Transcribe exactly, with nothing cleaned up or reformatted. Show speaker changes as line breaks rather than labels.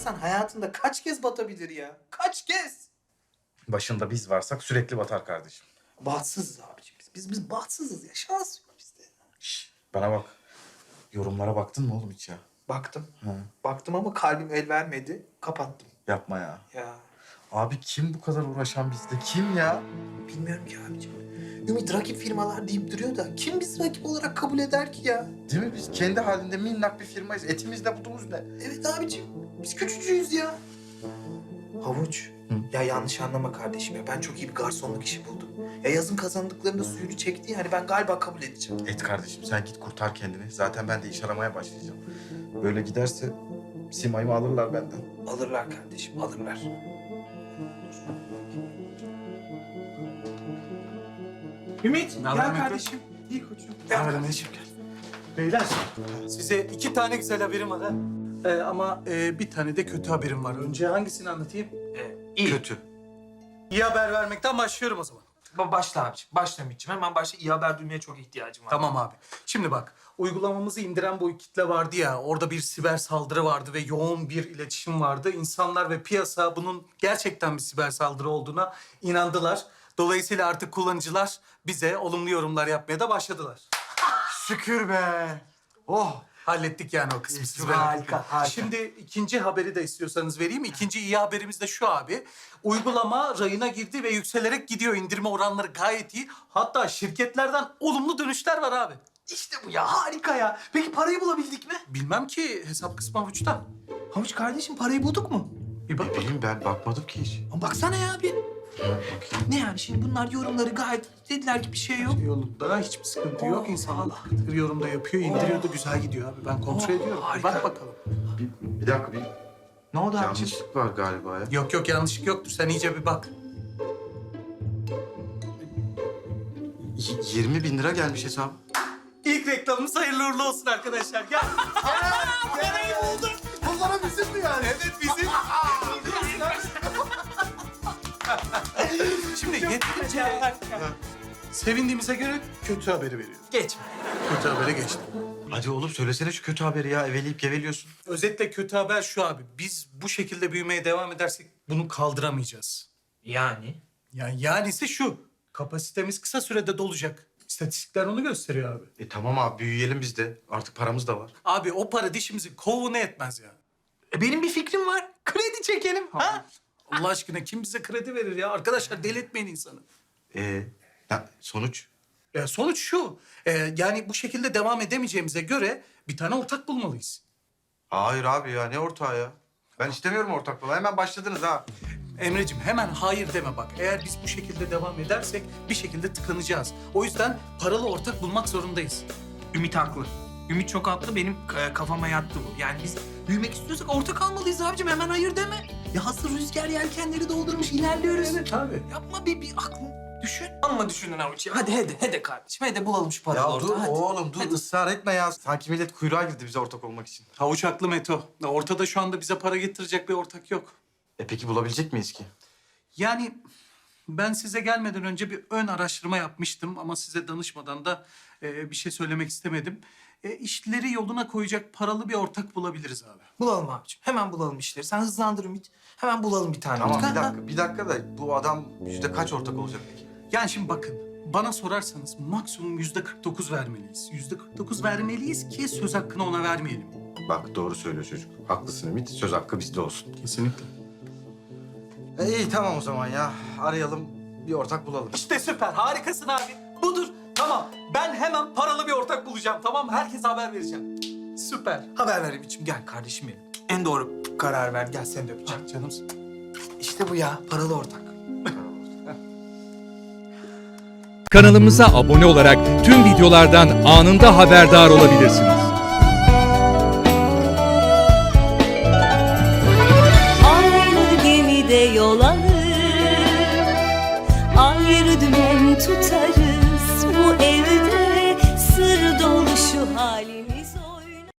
insan hayatında kaç kez batabilir ya? Kaç kez?
Başında biz varsak sürekli batar kardeşim.
Bahtsızız abicim biz. Biz, biz bahtsızız ya. Şans yok bizde.
Şşş, bana bak. Yorumlara baktın mı oğlum hiç ya?
Baktım.
Ha,
Baktım ama kalbim el vermedi. Kapattım.
yapma ya.
Ya
Abi kim bu kadar uğraşan bizde? Kim ya?
bilmiyorum ki abicim. Ümit rakip firmalar deyip duruyor da kim bizi rakip olarak kabul eder ki ya?
Değil mi? Biz kendi halinde minnak bir firmayız. Etimizde budumuz ne?
Evet abicim. Biz küçücüğüz ya. Havuç.
Hı?
Ya yanlış anlama kardeşim ya. Ben çok iyi bir garsonluk işi buldum. Ya yazın kazandıklarında suyunu çekti. Yani ben galiba kabul edeceğim.
Et kardeşim sen git kurtar kendini. Zaten ben de iş aramaya başlayacağım. Böyle giderse Simay'ımı alırlar benden.
Alırlar kardeşim, alırlar. Ümit,
Ne haber
gel
Ümit?
kardeşim. İyi koçum.
Ne
Gel
haber
kardeşim gel.
Beyler, size iki tane güzel haberim var ha. Ee, ama e, bir tane de kötü haberim var. Önce hangisini anlatayım?
Ee, iyi.
Kötü.
İyi haber vermekten başlıyorum o zaman.
Ba- Başla abiciğim, başla Ümit'ciğim. Hemen başla. İyi haber duymaya çok ihtiyacım var.
Tamam abi. Şimdi bak, uygulamamızı indiren bu kitle vardı ya, orada bir siber saldırı vardı ve yoğun bir iletişim vardı. İnsanlar ve piyasa bunun gerçekten bir siber saldırı olduğuna inandılar. Dolayısıyla artık kullanıcılar bize olumlu yorumlar yapmaya da başladılar.
Şükür be. Oh.
Hallettik yani o kısmı. Siz
Harika,
merak etmeyin.
harika.
Şimdi ikinci haberi de istiyorsanız vereyim. İkinci iyi haberimiz de şu abi. Uygulama rayına girdi ve yükselerek gidiyor. İndirme oranları gayet iyi. Hatta şirketlerden olumlu dönüşler var abi.
İşte bu ya, harika ya. Peki parayı bulabildik mi?
Bilmem ki hesap kısmı avuçta.
Havuç kardeşim, parayı bulduk mu?
Bir bak.
Bileyim ben bakmadım ki hiç.
Ama baksana ya bir.
Bakayım.
Ne yani şimdi bunlar yorumları gayet dediler ki bir şey yok.
Yolunda hiçbir sıkıntı yok.
Oh,
İnsanlar
Allah.
tıkır tıkır yorumda yapıyor, indiriyor da güzel gidiyor abi. Ben kontrol
Oh,
ediyorum. Bir
harika.
bak bakalım.
Bir, bir dakika bir
Ne oldu abiciğim?
yanlışlık var galiba ya.
Yok yok yanlışlık yoktur. Sen iyice bir bak.
Y- yirmi bin lira gelmiş hesap.
İlk reklamımız hayırlı uğurlu olsun arkadaşlar. Gel. Parayı bulduk.
Bunlara bizim mi yani?
Evet bizim. Şimdi yeterince sevindiğimize göre kötü haberi veriyorum.
Geçme.
Kötü habere geçtim.
Hadi oğlum söylesene şu kötü haberi ya. Eveleyip geveliyorsun.
Özetle kötü haber şu abi. Biz bu şekilde büyümeye devam edersek bunu kaldıramayacağız.
Yani?
Yani yanisi şu. Kapasitemiz kısa sürede dolacak. İstatistikler onu gösteriyor abi.
E tamam abi büyüyelim biz de. Artık paramız da var.
Abi o para dişimizi kovuğuna etmez ya.
E, benim bir fikrim var. Kredi çekelim. Ha?
Allah aşkına kim bize kredi verir ya? Arkadaşlar deli etmeyin insanı.
E ya, sonuç?
Ya sonuç şu. e, yani bu şekilde devam edemeyeceğimize göre bir tane ortak bulmalıyız.
Hayır abi ya ne ortağı ya? Ben istemiyorum ortaklığı. Hemen başladınız ha.
Emreciğim hemen hayır deme bak. Eğer biz bu şekilde devam edersek bir şekilde tıkanacağız. O yüzden paralı ortak bulmak zorundayız.
Ümit haklı. Ümit çok haklı. Benim e, kafama yattı bu. Yani biz büyümek istiyorsak ortak almalıyız abicim. Hemen hayır deme. Ya hazır rüzgar yelkenleri doldurmuş ilerliyoruz.
Evet abi.
Yapma bir, bir aklın düşün. Amma düşünün avuç ya. Hadi hadi hadi kardeşim. Hadi bulalım şu paralı
Ya
ortağı.
dur
hadi.
oğlum dur
Hadi.
ısrar etme ya. Sanki millet kuyruğa girdi bize ortak olmak için.
Havuç haklı Meto. Ortada şu anda bize para getirecek bir ortak yok.
E peki bulabilecek miyiz ki?
Yani ben size gelmeden önce bir ön araştırma yapmıştım ama size danışmadan da e, bir şey söylemek istemedim. E, işleri yoluna koyacak paralı bir ortak bulabiliriz abi.
Bulalım abicim. Hemen bulalım işleri. Sen hızlandır Ümit. Hemen bulalım bir tane.
Tamam
ortak.
bir dakika bir dakika da bu adam yüzde kaç ortak olacak peki?
Yani şimdi bakın bana sorarsanız maksimum yüzde kırk dokuz vermeliyiz. Yüzde kırk dokuz vermeliyiz ki söz hakkını ona vermeyelim.
Bak doğru söylüyor çocuk. Haklısın Ümit. Söz hakkı bizde olsun.
Kesinlikle.
E, iyi tamam o zaman ya. Arayalım bir ortak bulalım.
İşte süper harikasın abi. Budur. Tamam ben hemen paralı bir ortak bulacağım tamam mı? Herkese haber vereceğim. Süper.
Haber ver Ümit'ciğim. Gel kardeşim benim. En doğru karar ver. Gel seni de öpeceğim.
Ah, canımsın.
İşte bu ya. Paralı ortak.
Kanalımıza abone olarak tüm videolardan anında haberdar olabilirsiniz.